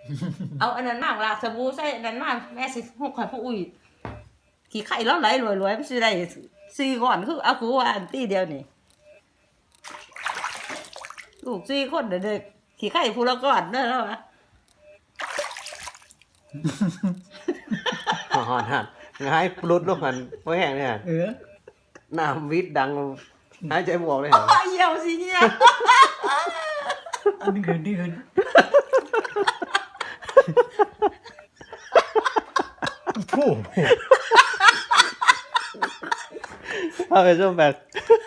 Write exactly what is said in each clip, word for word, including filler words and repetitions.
เอาอันนั้นมากลาสบู่ใส่อันนั้นมาแม่สิหกข่อยผู้อุ้ยขี้ไข่แล้วไหลรวยๆมันสิได้สี่ก้อนคือเอากูว่าอันตีเดียวนี่ลูกสี่คนเด็กๆขี้ไข่ผู้ละก้อนเด้อแล้ววะหอนหันง่ายปลุดลูกหันโอ้ยแห้งเนี่ยเออน้ำวิทย์ดังหายใจบวกเลยอ้าวเหี่ยวสิเหี่ยวอันนี้คืนนี่คืนผู้เอาไปส้มแบบ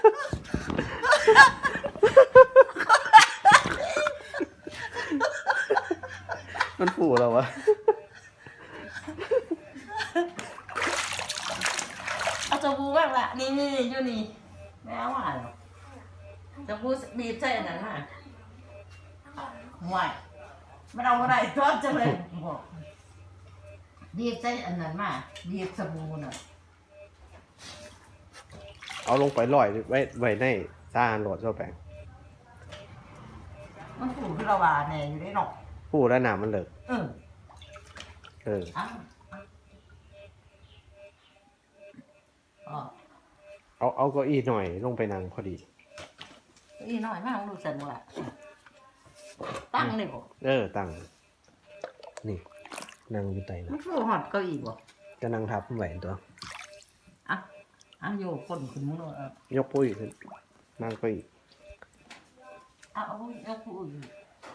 มันผูเราวะเอาสบู่บ้างละนี่นี่อยู่นี่แม่ว่าหรอสบู่บีบใส่อันนั้นมาห่วยมันเอาอะไรทอดจังเลยบอกบีบใส่อันนั้นมาบีบสบู่น่ะเอาลงไปลอยไว้ไว้ในซาโหลดส้มแปงมันผูกที่เราว่าแน่อยู่ได้หรอกผูแล้วน้ำมันเลิกเออเอออ้าวอ๋อเอาเอาเก้าอี้หน่อยลงไปนั่งพอดีอีน้อยมากดูสันว่ะตั้งนี่บ่เออตั้งนี่นั่งอยู่ใต้มันะนคือหอดเก้าอี้บ่จะนั่งทับแหวนตัวอ่ะอ่ะโยกคนขึ้นมือเอายกปุ้ยขึ้นนั่งเก้าอี้เอาเอาเอาผู้อื่น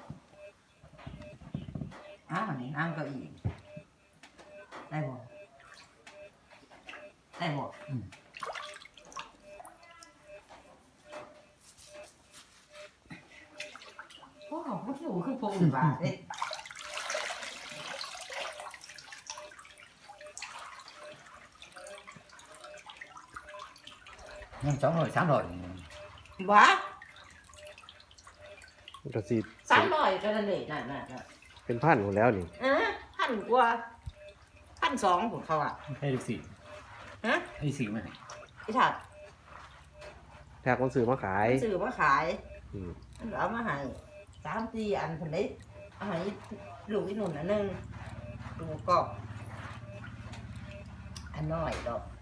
อ่ะอันนี้นั่งเก้าอี้ได้บ่ได้บ่อืมโอ้โหผู้อยู่คือผู้อื่นว่าเด้ยังสองร้อยสามร้อยว้าก็สิสามร้อยก็นั่นเลยนั่นนั่นนั่นเป็นพันหมดแล้วนี่เออพันกว่าพันสองผมเขาอ่ะให้ดูสิฮะให้สิมาไอ้ถัดแท็กคนซื้อมาขายซื้อมาขายอืมมันเอามาให้สามสี่อันคนนี้เอาให้ลูกอีหนุ่นอันหนึงลูกก็อันน้อยดอก